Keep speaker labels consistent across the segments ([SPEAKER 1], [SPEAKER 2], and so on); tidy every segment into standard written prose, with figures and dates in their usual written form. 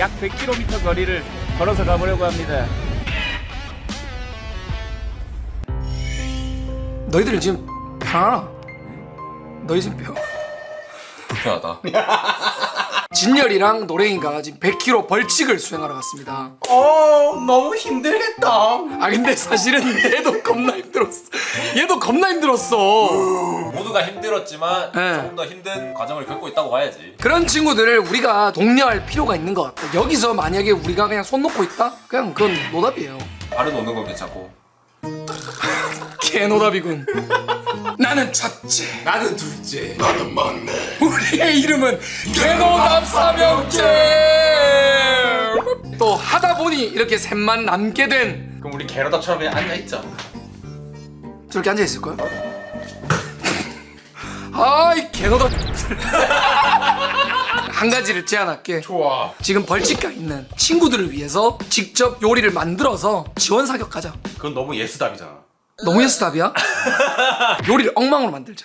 [SPEAKER 1] 약 100km 거리를 걸어서 가보려고 합니다.
[SPEAKER 2] 너희들 지금 편하나? 너희 지금
[SPEAKER 3] 불편하다.
[SPEAKER 2] 진열이랑 노랭이가 지금 100km 벌칙을 수행하러 갔습니다.
[SPEAKER 3] 너무 힘들겠다.
[SPEAKER 2] 아 근데 사실은 얘도 겁나 힘들었어. 얘도 겁나 힘들었어.
[SPEAKER 3] 모두가 힘들었지만
[SPEAKER 2] 네.
[SPEAKER 3] 조금 더 힘든 과정을 겪고 있다고 봐야지.
[SPEAKER 2] 그런 친구들을 우리가 독려할 필요가 있는 것 같아. 여기서 만약에 우리가 그냥 손 놓고 있다? 그냥 그건 노답이에요.
[SPEAKER 3] 발은 오는 건 괜찮고.
[SPEAKER 2] 개노답이군. 나는 첫째,
[SPEAKER 3] 나는 둘째.
[SPEAKER 4] 나는 막내.
[SPEAKER 2] 우리의 이름은 개노답 사명제. 또 하다 보니 이렇게 셋만 남게 된.
[SPEAKER 3] 그럼 우리 게러다처럼 그냥 앉아있자.
[SPEAKER 2] 저렇게 앉아 있을 거야? 아이 개노답. 한 가지를 제안할게.
[SPEAKER 3] 좋아.
[SPEAKER 2] 지금 벌칙가 있는 친구들을 위해서 직접 요리를 만들어서 지원 사격하자.
[SPEAKER 4] 그건 너무 예스답이잖아.
[SPEAKER 2] 너무 예스답이야? 요리를 엉망으로 만들자.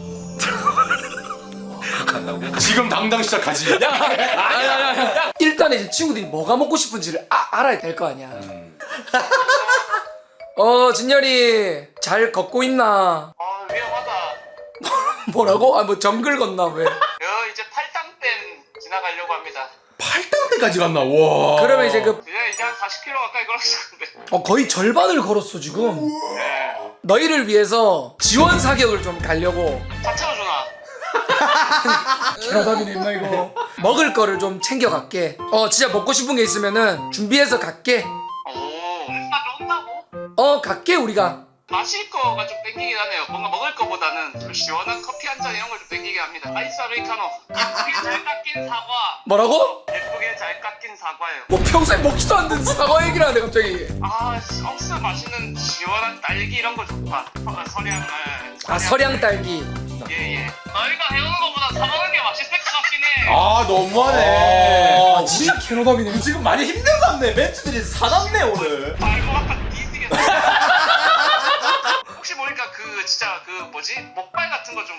[SPEAKER 4] 지금 당장 시작하지.
[SPEAKER 2] 야야야야. 일단 이제 친구들이 뭐가 먹고 싶은지를 알아야 될 거 아니야. 진열이 잘 걷고 있나?
[SPEAKER 5] 위험하다.
[SPEAKER 2] 뭐라고? 뭐 정글 걷나 왜?
[SPEAKER 5] 이제 팔당댐 지나가려고 합니다.
[SPEAKER 4] 8단대까지 갔나? 와.
[SPEAKER 2] 그러면 이제 그
[SPEAKER 5] 이제 한 40km 가까이 걸었었는데.
[SPEAKER 2] 거의 절반을 걸었어 지금.
[SPEAKER 5] 네.
[SPEAKER 2] 너희를 위해서 지원 사격을 좀 가려고.
[SPEAKER 5] 차 채워주나?
[SPEAKER 2] 개노답이네 임마 이거. 먹을 거를 좀 챙겨갈게. 진짜 먹고 싶은 게 있으면은 준비해서 갈게.
[SPEAKER 5] 오. 나 온다고?
[SPEAKER 2] 갈게 우리가.
[SPEAKER 5] 마실 거가 좀 땡기긴 하네요. 뭔가 먹을 거보다는 좀 시원한 커피 한 잔 이런 걸 좀 땡기긴 합니다. 아이스 아메리카노. 예쁘게 잘 깎인 사과.
[SPEAKER 2] 뭐라고?
[SPEAKER 5] 예쁘게 잘 깎인 사과예요.
[SPEAKER 2] 뭐 평소에 먹지도 않는 사과 얘기를 하네 갑자기.
[SPEAKER 5] 억스 맛있는 시원한 딸기 이런 거 좋다. 서량.
[SPEAKER 2] 서량 딸기.
[SPEAKER 5] 예예. 너희가 해오는 거보다 사 먹는 게 맛있을 것 같긴 해.
[SPEAKER 4] 너무하네.
[SPEAKER 2] 진짜 개노답이네.
[SPEAKER 4] 지금 많이 힘들었네. 멘트들이 사납네 오늘.
[SPEAKER 5] 알고 아까 뒤지겠다. 혹시 보니까 진짜 목발 같은 거 좀.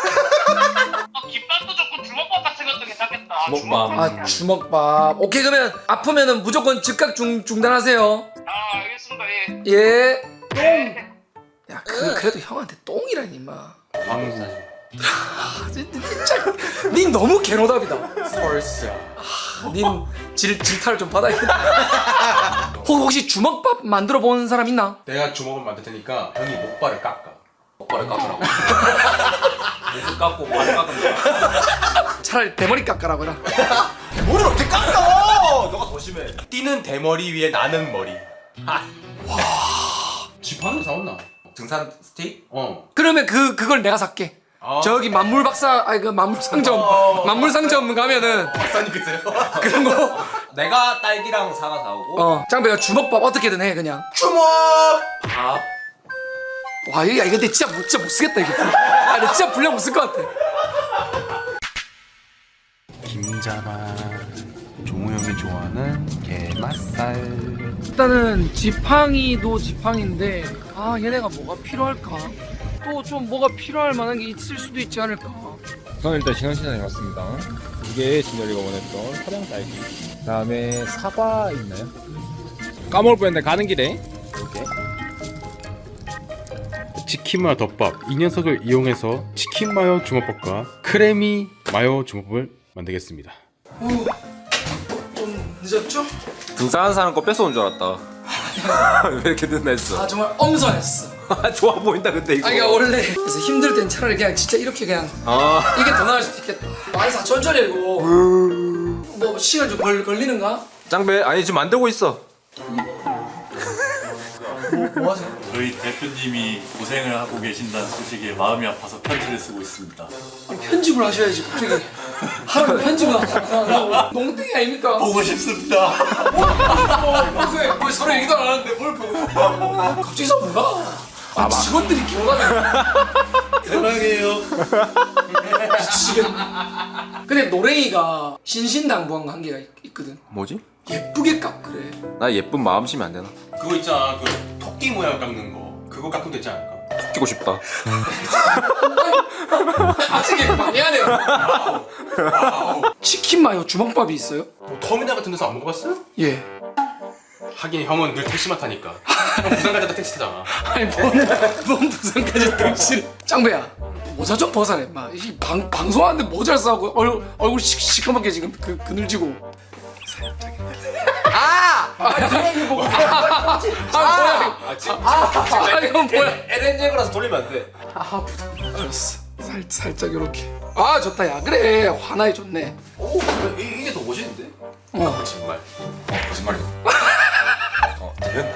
[SPEAKER 5] 깃밥도 좋고 주먹밥 같은 것도 괜찮겠다.
[SPEAKER 3] 주먹밥.
[SPEAKER 2] 주먹밥. 오케이 그러면 아프면은 무조건 즉각 중단하세요.
[SPEAKER 5] 알겠습니다. 예.
[SPEAKER 2] 예.
[SPEAKER 5] 네.
[SPEAKER 2] 야 그래도 형한테 똥이라니 임마.
[SPEAKER 3] 방사지.
[SPEAKER 2] 진짜 닌 너무 개노답이다.
[SPEAKER 3] 펄스.
[SPEAKER 2] 닌 질타를 좀 받아야겠다. 혹시 주먹밥 만들어 본 사람 있나?
[SPEAKER 4] 내가 주먹을 만들 테니까 형이 목발을 깎아.
[SPEAKER 3] 목발을 깎으라고. 목을 깎고 발을 깎는다.
[SPEAKER 2] 차라리 대머리 깎아라고 해라.
[SPEAKER 4] 머리를 어떻게 깎아? 너가 더 심해. 뛰는 대머리 위에 나는 머리. 와. 지팡이 사왔나?
[SPEAKER 3] 등산 스틱?
[SPEAKER 2] 그러면 그걸 내가 살게. 저기 만물 박사 그 만물 상점 가면은
[SPEAKER 4] 박사님 그세요?
[SPEAKER 2] 그런 거.
[SPEAKER 3] 내가 딸기랑 사과 사오고.
[SPEAKER 2] 짱배가 주먹밥 어떻게든 해 그냥.
[SPEAKER 4] 주먹.
[SPEAKER 3] 밥.
[SPEAKER 2] 와 이거 근데 진짜 못 쓰겠다 이거. 나 진짜 분량 못 쓸 것 같아.
[SPEAKER 6] 김자반 종우 형이 좋아하는 게맛살.
[SPEAKER 2] 일단은 지팡이도 지팡인데 얘네가 뭐가 필요할까? 또 좀 뭐가 필요할 만한 게 있을 수도 있지 않을까?
[SPEAKER 7] 저는 일단 신원시장에 왔습니다. 이게 진열이가 원했던 서량 딸기. 그다음에 사과 있나요? 까먹을 뻔했는데 가는 길에 이렇게 치킨 마요 덮밥 이 녀석을 이용해서 치킨 마요 주먹밥과 크래미 마요 주먹밥을 만들겠습니다.
[SPEAKER 2] 좀 늦었죠?
[SPEAKER 3] 등산하는 사람 거 뺏어온 줄 알았다. 왜 이렇게 늦나 했어.
[SPEAKER 2] 정말 엄선했어.
[SPEAKER 3] 좋아 보인다 근데 이거.
[SPEAKER 2] 그러니까 원래 그래서 힘들 땐 차라리 그냥 진짜 이렇게 그냥 이게 더 나을 수도 있겠다. 아이사 천천히 이거. 뭐 시간 좀 걸리는가?
[SPEAKER 3] 짱배 아니 지금 만들고 있어.
[SPEAKER 2] 뭐 하세요?
[SPEAKER 8] 저희 대표님이 고생을 하고 계신다는 소식에 마음이 아파서 편지를 쓰고 있습니다.
[SPEAKER 2] 아니, 편집을 하셔야지 갑자기 하루 편집을 하고 농땡이 아닙니까?
[SPEAKER 8] 보고 싶습니다.
[SPEAKER 2] 평소에 뭐 서로 얘기도 안 하는데 뭘 보고 갑자기 뭐가? 직원들이 기억하네.
[SPEAKER 8] 사랑해요.
[SPEAKER 2] 미치겠네. 근데 노랭이가 신신당부한 거 한 개가 있거든.
[SPEAKER 3] 뭐지?
[SPEAKER 2] 예쁘게 깎으래.
[SPEAKER 3] 나 예쁜 마음 심면 안 되나?
[SPEAKER 4] 그거 있잖아. 그 토끼 모양 깎는 거. 그거 깎으면 되지 않을까?
[SPEAKER 3] 죽이고 싶다.
[SPEAKER 2] 아직 얘기 많이 하네요. 치킨 마요 주먹밥이 있어요?
[SPEAKER 4] 뭐 터미널 같은 데서 안 먹어봤어요?
[SPEAKER 2] 예.
[SPEAKER 4] 하긴 형은 늘 택시만 타니까. 형 부산 갈 때도 택시 타잖아.
[SPEAKER 2] 아니 뭔 부산까지 택시를. 짱배야 모자 좀 벗어내. 막 이 방송하는데 모자를 싸고 얼굴 시커멓게 지금 그늘지고. 이건 뭐야?
[SPEAKER 4] LNG라서 돌리면 안 돼.
[SPEAKER 2] 알았어. 살짝 이렇게. 아 좋다 야. 그래 화나이 좋네.
[SPEAKER 4] 오, 이게 더 멋있는데? 거짓말. 거짓말이야. 들렸나?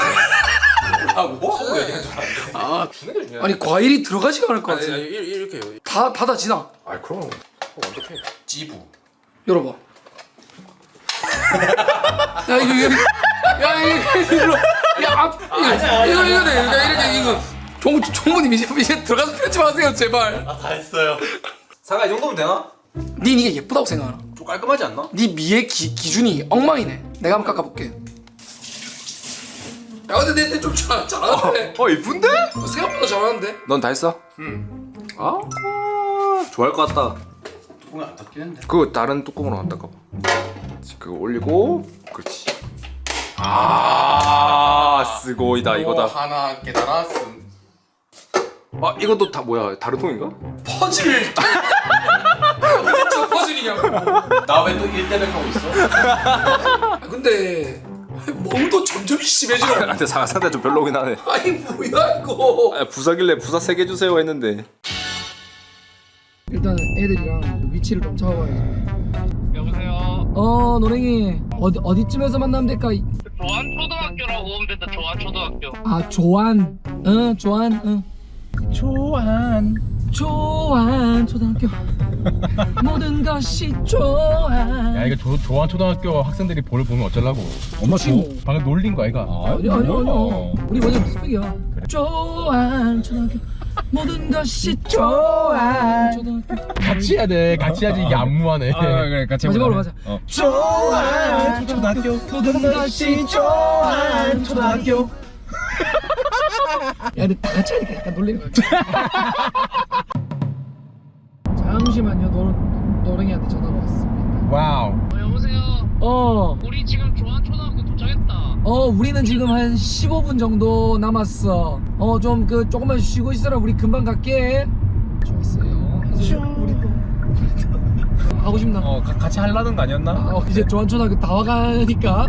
[SPEAKER 4] 하고 얘기한 줄 알았는데.
[SPEAKER 2] 아
[SPEAKER 4] 주는 게 중요해.
[SPEAKER 2] 아니 과일이 들어가지가 않을 것
[SPEAKER 4] 아니,
[SPEAKER 2] 같아.
[SPEAKER 4] 이렇게요.
[SPEAKER 2] 다 닫아지나?
[SPEAKER 4] 아, 그럼 완벽해. 찌부.
[SPEAKER 2] 열어봐. 야 이거 이거 돼. 이렇게 이거 종무님 이제 들어가서 편집하세요 제발.
[SPEAKER 8] 다 했어요.
[SPEAKER 4] 상아 이 정도면 되나?
[SPEAKER 2] 닌 이게 예쁘다고 생각하나?
[SPEAKER 4] 좀 깔끔하지 않나?
[SPEAKER 2] 네 미의 기준이 엉망이네. 내가 한번 깎아볼게. 야 근데 내 좀 잘하는데.
[SPEAKER 3] 이쁜데?
[SPEAKER 2] 생각보다 잘하는데.
[SPEAKER 3] 넌 다 했어? 아, 좋아할 것 같다.
[SPEAKER 4] 뚜껑이 안 닫히는데.
[SPEAKER 3] 그거 다른 뚜껑으로 안 닦아. 그거 올리고, 그렇지. 아, 쓰고이다 이거다.
[SPEAKER 4] 하나 깨달았음.
[SPEAKER 3] 아, 이것도 다 뭐야? 다른 통인가?
[SPEAKER 2] 퍼즐. 저 퍼즐이냐고.
[SPEAKER 4] 나 왜 또 1대100 하고 있어?
[SPEAKER 2] 아, 근데 몸도 점점 심해지네.
[SPEAKER 3] 근데 상대 좀 별로긴 하네.
[SPEAKER 2] 아니 뭐야 이거.
[SPEAKER 3] 아, 부사길래 부사 3개 주세요 했는데.
[SPEAKER 2] 일단 애들이랑 위치를 좀 잡아봐야겠네.
[SPEAKER 5] 여보세요.
[SPEAKER 2] 노랭이 어디쯤에서 만나면 될까?
[SPEAKER 5] 조안초등학교라고 오면 된다. 조안초등학교.
[SPEAKER 2] 아 조안. 조안. 조안 초등학교. 모든 것이 조안.
[SPEAKER 7] 야 이거 조한 초등학교 학생들이 볼을 보면 어쩌려고? 엄마 방금 놀린 거 아이가?
[SPEAKER 2] 아니 우리 완전 스펙이야. 조안 초등학교. 모든 것이 조안 초등학교.
[SPEAKER 7] 같이 해야 돼. 같이 해야지 이게 안무하네. 그래 같이
[SPEAKER 2] 마지막으로 가자. 조안 초등학교. 모든 것이 조안 초등학교. 야 근데 다 같이 하니까 약간 놀리는 거 같아. 잠시만요. 노랭이한테 전화가 왔습니다.
[SPEAKER 7] 와우.
[SPEAKER 5] 여보세요. 우리 지금 조안초등학교 도착했다.
[SPEAKER 2] 우리는 지금 한 15분 정도 남았어. 좀 조금만 쉬고 있어라. 우리 금방 갈게. 좋았어요. 이제 우리도 하고 싶나?
[SPEAKER 7] 같이 하려는 거 아니었나?
[SPEAKER 2] 이제 조안초등학교 다 와가니까.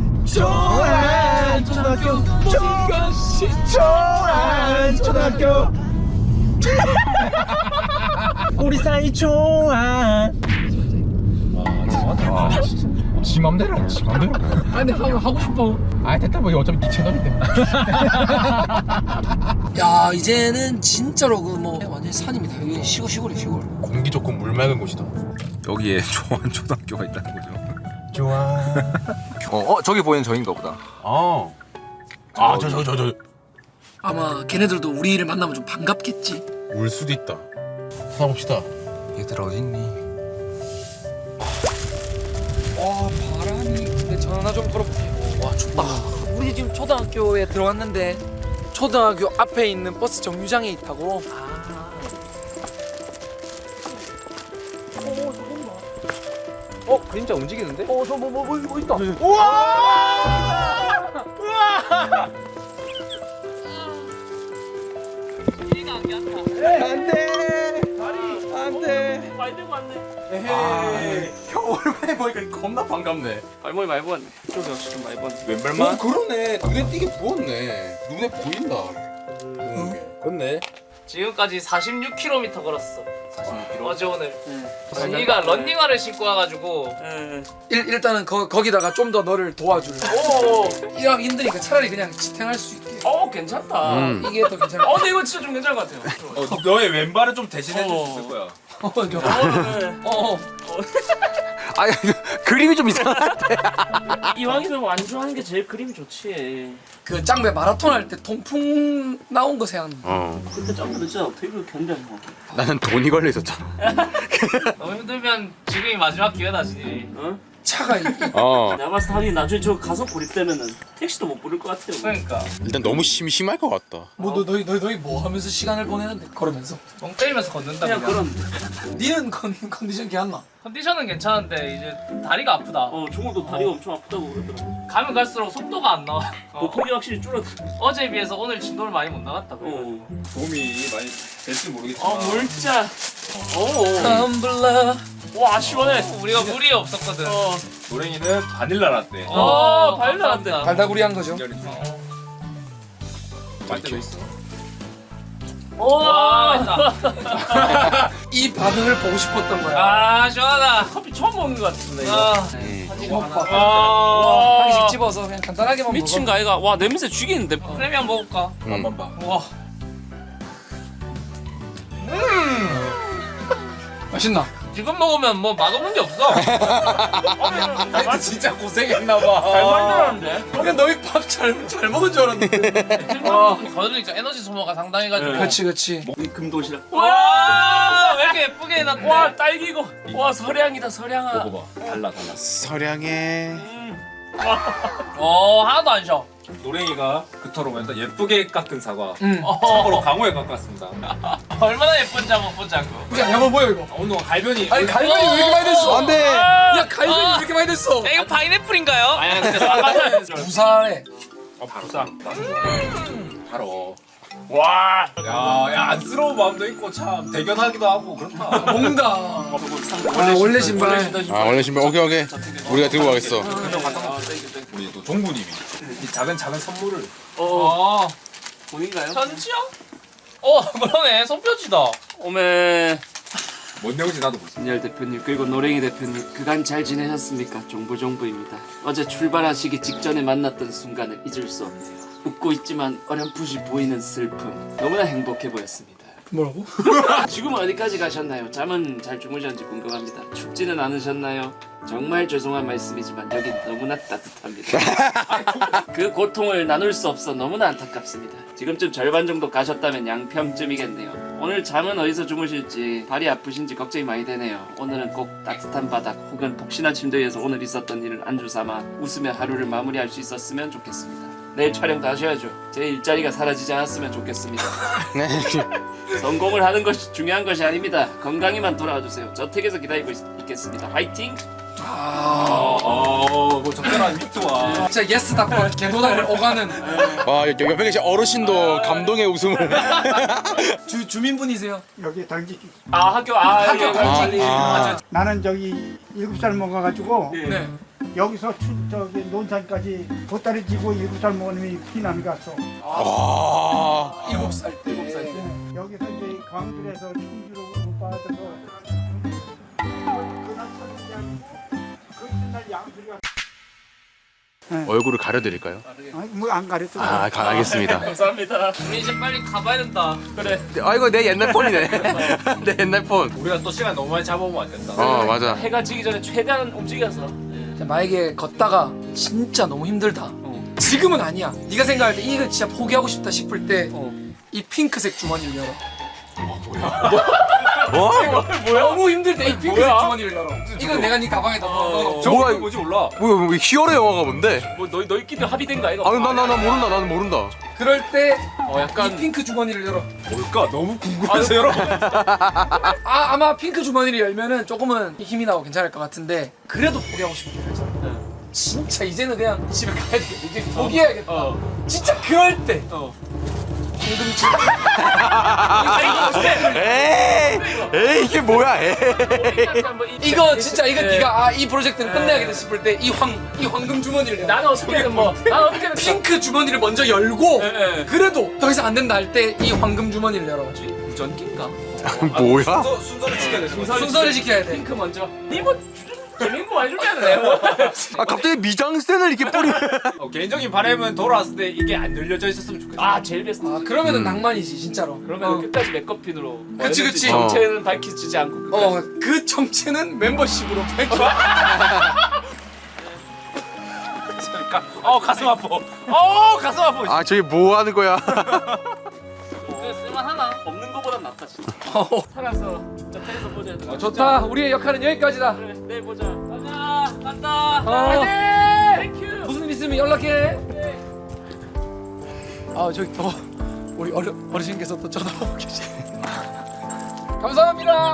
[SPEAKER 2] 조안초등학교 모든 것이 조안초등학교.
[SPEAKER 7] 우리 사이 좋아. 지 맘대로 지 맘대로.
[SPEAKER 2] 아니 하고 싶어.
[SPEAKER 7] 아 됐다 뭐 어차피 네 채널인데.
[SPEAKER 2] 야 이제는 진짜로 완전 산입니다. 여기 시골이야 시골.
[SPEAKER 4] 공기 좋고 물 맑은 곳이다.
[SPEAKER 3] 여기에 조한 초등학교가 있다는 거죠.
[SPEAKER 4] 좋아.
[SPEAKER 3] 저기 보이는 저인가 보다.
[SPEAKER 4] 저.
[SPEAKER 2] 아마 걔네들도 우리를 만나면 좀 반갑겠지.
[SPEAKER 4] 울 수도 있다. 찾아봅시다.
[SPEAKER 3] 얘들 어딨니?
[SPEAKER 2] 바람이. 근데 전화 좀 걸어볼게. 와 춥다. 우리 지금 초등학교에 들어왔는데 초등학교 앞에 있는 버스 정류장에 있다고.
[SPEAKER 3] 그림자 움직이는데?
[SPEAKER 2] 저 뭐 있다.
[SPEAKER 4] 형 오랜만에 보니까 겁나 반갑네.
[SPEAKER 5] 발목이 많이 부었네. 좀 역시 좀 많이 부었네.
[SPEAKER 4] 왼발만? 그러네. 눈에 띄게 부었네. 눈에 보인다. 그렇네.
[SPEAKER 5] 지금까지 46km 걸었어. 46km? 어제 오늘. 언니가 런닝화를 신고 와가지고.
[SPEAKER 2] 일단은 거기다가 좀 더 너를 도와줄. 일하기 힘드니까 차라리 그냥 지탱할 수 있게.
[SPEAKER 5] 괜찮다.
[SPEAKER 2] 이게 더 괜찮아.
[SPEAKER 5] 근데 이거 진짜 좀 괜찮은 것 같아요.
[SPEAKER 3] 너의 왼발은 좀 대신해 줄 수 있을 거야. 아니 그림이 좀 이상한데.
[SPEAKER 5] 이왕이면 완주하는 게 제일 그림이 좋지.
[SPEAKER 2] 그 짱배 마라톤 할 때 통풍 나온 거 생각나.
[SPEAKER 5] 그때 짱구도 진짜 어떻게 그걸 견뎌낸 거
[SPEAKER 3] 나는 돈이 걸려 있었잖아.
[SPEAKER 5] 너무 힘들면 지금이 마지막 기회다지. 응?
[SPEAKER 2] 차가
[SPEAKER 5] 내가 봤을 때 하긴 나중에 저 가서 고립되면은 택시도 못 부를 것 같아요.
[SPEAKER 2] 그러니까
[SPEAKER 6] 일단 너무 심할 것 같다.
[SPEAKER 2] 뭐 너희 뭐 하면서 시간을 보내는데 걸으면서
[SPEAKER 9] 멍 때리면서 걷는다
[SPEAKER 5] 그냥
[SPEAKER 9] 그냥.
[SPEAKER 5] 그런.
[SPEAKER 2] 니는 컨디션 괜찮나?
[SPEAKER 9] 컨디션은 괜찮은데 이제 다리가 아프다.
[SPEAKER 5] 종호도 다리가 엄청 아프다고 그러더라고.
[SPEAKER 9] 가면 갈수록 속도가 안 나와.
[SPEAKER 5] 보폭이 확실히 줄었다.
[SPEAKER 9] 어제에 비해서 오늘 진도를 많이 못 나갔다.
[SPEAKER 5] 어.
[SPEAKER 7] 도움이 많이 될지 모르겠지만
[SPEAKER 5] 물자.
[SPEAKER 2] 텀블러.
[SPEAKER 5] 와 시원해.
[SPEAKER 9] 우리가 물이 없었거든.
[SPEAKER 7] 노랭이는 바닐라 라떼.
[SPEAKER 5] 바닐라인데.
[SPEAKER 2] 달달구리한 거죠.
[SPEAKER 7] 빨대도 있어.
[SPEAKER 9] 와, 했다.
[SPEAKER 2] 이 반응을 보고 싶었던 거야.
[SPEAKER 9] 아, 시원하다.
[SPEAKER 5] 커피 처음 먹는 것 같은데 이거.
[SPEAKER 9] 아,
[SPEAKER 2] 한개씩 집어서 그냥 간단하게만
[SPEAKER 5] 미친
[SPEAKER 2] 먹어.
[SPEAKER 5] 가이가 와 냄새 죽이는데.
[SPEAKER 9] 프레미엄 먹을까?
[SPEAKER 7] 맛만 봐.
[SPEAKER 9] 와,
[SPEAKER 2] 맛있나?
[SPEAKER 9] 지금 먹으면 뭐 맛없는 게 없어.
[SPEAKER 7] 진짜 고생했나 봐.
[SPEAKER 5] 잘 만들었는데.
[SPEAKER 2] 그냥 너희 밥 잘 먹은 줄 알았는데.
[SPEAKER 9] 거들으니까 에너지 소모가 상당해가지고.
[SPEAKER 2] 그렇지.
[SPEAKER 5] 금도시락.
[SPEAKER 9] 와, 왜 이렇게 예쁘게 해놨대?
[SPEAKER 5] 와 딸기고. 와 서량이다 서량아.
[SPEAKER 7] 먹어봐. 달라.
[SPEAKER 6] 서량해.
[SPEAKER 9] 하나도 안 쉬어.
[SPEAKER 7] 노랭이가 그토록 맨날 예쁘게 깎은 사과.
[SPEAKER 2] 응.
[SPEAKER 7] 참고로 강호에 깎았습니다.
[SPEAKER 9] 얼마나 예쁜지 한번 보자고.
[SPEAKER 2] 그냥 한번 보여 이거.
[SPEAKER 7] 오늘 갈변이.
[SPEAKER 2] 아니 갈변이 왜 이렇게 많이 됐어?
[SPEAKER 6] 안 돼.
[SPEAKER 2] 야 갈변이 왜 이렇게 많이 됐어?
[SPEAKER 9] 이거 파인애플인가요?
[SPEAKER 5] 아니 근데 사과는
[SPEAKER 2] 부산에
[SPEAKER 7] 바로 싸. 바로.
[SPEAKER 5] 와.
[SPEAKER 7] 야 안쓰러운 마음도 있고 참 대견하기도 하고 그렇다.
[SPEAKER 2] 뭔가. 원래 신발.
[SPEAKER 6] 아 원래 신발 오케이. 우리가 들고 가겠어.
[SPEAKER 7] 우리 또 종부님이 이 작은 선물을.
[SPEAKER 5] 본인가요?
[SPEAKER 9] 편지요? 그러네. 손편지다.
[SPEAKER 5] 오메.
[SPEAKER 7] 뭔 내용인지 나도 모르겠어.
[SPEAKER 5] 진열 대표님 그리고 노랭이 대표님 그간 잘 지내셨습니까? 종부입니다. 어제 출발하시기 직전에 만났던 순간을 잊을 수 없네요. 웃고 있지만 어렴풋이 보이는 슬픔 너무나 행복해 보였습니다.
[SPEAKER 2] 뭐라고?
[SPEAKER 5] 지금은 어디까지 가셨나요? 잠은 잘 주무셨는지 궁금합니다. 춥지는 않으셨나요? 정말 죄송한 말씀이지만 여긴 너무나 따뜻합니다. 그 고통을 나눌 수 없어 너무나 안타깝습니다. 지금쯤 절반 정도 가셨다면 양평쯤이겠네요. 오늘 잠은 어디서 주무실지 발이 아프신지 걱정이 많이 되네요. 오늘은 꼭 따뜻한 바닥 혹은 폭신한 침대 위에서 오늘 있었던 일을 안주 삼아 웃으며 하루를 마무리할 수 있었으면 좋겠습니다. 내일 촬영도 하셔야죠. 제 일자리가 사라지지 않았으면 좋겠습니다. 성공을 하는 것이 중요한 것이 아닙니다. 건강히만 돌아와 주세요. 저택에서 기다리고 있겠습니다. 화이팅!
[SPEAKER 7] 뭐 적절한 미투와.
[SPEAKER 2] 진짜 예스 닥터 개도답을 오가는
[SPEAKER 6] 와 옆에 계신 어르신도 감동의 웃음을.
[SPEAKER 2] 주민분이세요?
[SPEAKER 10] 여기 당직
[SPEAKER 5] 학교
[SPEAKER 10] 나는 저기 7살 먹어가지고
[SPEAKER 2] 네.
[SPEAKER 10] 여기서 저기 논산까지 보따리 지고 7살 먹은 놈이 피난 갔어.
[SPEAKER 6] 와.
[SPEAKER 2] 7살 때.
[SPEAKER 10] 여기서 이제 광주에서 충주로 못 받아서 그날 그 이튿날 양수리가
[SPEAKER 6] 얼굴을 가려드릴까요?
[SPEAKER 10] 뭐안 가렸어.
[SPEAKER 6] 아 알겠습니다.
[SPEAKER 5] 감사합니다.
[SPEAKER 9] 우리 이제 빨리 가봐야 된다.
[SPEAKER 5] 그래.
[SPEAKER 6] 아이고 내 옛날 폰이네. 내 옛날 폰.
[SPEAKER 7] 우리가 또 시간 너무 많이 잡아오면 안 된다.
[SPEAKER 6] 맞아.
[SPEAKER 5] 해가 지기 전에 최대한 움직여서.
[SPEAKER 2] 만약에 걷다가 진짜 너무 힘들다. 지금은 아니야. 네가 생각할 때 이거 진짜 포기하고 싶다 싶을 때 이 핑크색 주머니를 열어.
[SPEAKER 6] 뭐?
[SPEAKER 2] 너무 힘들 때 이 핑크색 주머니를 열어. 이건 내가 네 가방에다 넣어.
[SPEAKER 6] 뭐가
[SPEAKER 7] 뭔지 몰라.
[SPEAKER 6] 뭐 히어로 영화가 뭔데?
[SPEAKER 5] 뭐 너희끼리 합의된가 이거?
[SPEAKER 6] 나는 모른다.
[SPEAKER 2] 그럴 때
[SPEAKER 5] 약간
[SPEAKER 2] 이 핑크 주머니를 열어.
[SPEAKER 7] 뭘까? 너무 궁금해서 여러분.
[SPEAKER 2] 아마 핑크 주머니를 열면은 조금은 힘이 나고 괜찮을 것 같은데 그래도 포기하고 싶은 게 있잖아. 진짜 이제는 그냥 집에 가야 돼. 이제 포기해야겠다. 진짜 그럴 때.
[SPEAKER 6] 에이 이게 뭐야?
[SPEAKER 2] 이거 진짜 이거 네가 이 프로젝트는 끝내야겠다 싶을 때 이 황금 주머니를 열어.
[SPEAKER 5] 나는 어떻게든
[SPEAKER 2] 핑크 주머니를 먼저 열고 그래도 더 이상 안 된다 할 때 이 황금 주머니를 열어.
[SPEAKER 5] 전기인가?
[SPEAKER 6] 뭐야?
[SPEAKER 7] 순서를 지켜야 돼.
[SPEAKER 2] 순서를 지켜야 돼.
[SPEAKER 5] 핑크 먼저. 니뭐 재밌는 거 해주면 돼.
[SPEAKER 6] 갑자기 미장센을 이렇게 뿌리면.
[SPEAKER 7] 개인적인 바람은 돌아왔을 때 이게 안 열려져 있었으면 좋겠어.
[SPEAKER 5] 제일 베스트.
[SPEAKER 2] 그러면은 낭만이지 진짜로.
[SPEAKER 5] 그러면 끝까지 맥커핀으로.
[SPEAKER 2] 그치.
[SPEAKER 5] 정체는 밝히지 않고 끝까지.
[SPEAKER 2] 그 정체는 멤버십으로 밝혀.
[SPEAKER 7] 가슴 아파. 가슴 아파.
[SPEAKER 6] 저기 뭐 하는 거야?
[SPEAKER 9] 쓸만하나?
[SPEAKER 5] 없는 거보단 낫다 진짜. 살아서 저택에서 보자.
[SPEAKER 2] 좋다. 우리의 역할은 여기까지다.
[SPEAKER 5] 그래 내일 보자. 가자.
[SPEAKER 9] 간다.
[SPEAKER 2] 화이팅! 무슨 일 있으면 연락해. 아 저기 또 우리 어르신께서 또 쳐다보고 계시. 감사합니다.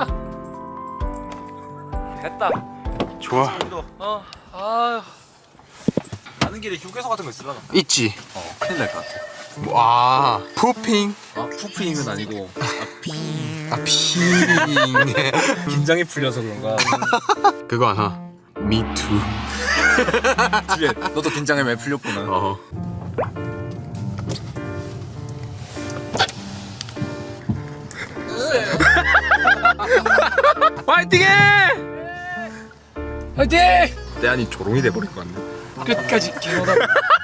[SPEAKER 9] 됐다.
[SPEAKER 4] 좋아.
[SPEAKER 2] 아유.
[SPEAKER 3] 가는 길에 휴게소 같은 거 있으려나?
[SPEAKER 4] 있지.
[SPEAKER 3] 큰일 날 것 같아.
[SPEAKER 4] 와, 푸핑.
[SPEAKER 3] 아 푸프잉은 아니고
[SPEAKER 4] 핑.
[SPEAKER 3] 긴장이 풀려서 그런가.
[SPEAKER 4] 그거 하나. Me too.
[SPEAKER 3] 뒤에 너도 긴장이 많이 풀렸구나.
[SPEAKER 4] 어.
[SPEAKER 2] 화이팅해! 화이팅!
[SPEAKER 3] 내 안이 조롱이 돼버릴 것 같네.
[SPEAKER 2] 끝까지 개노다.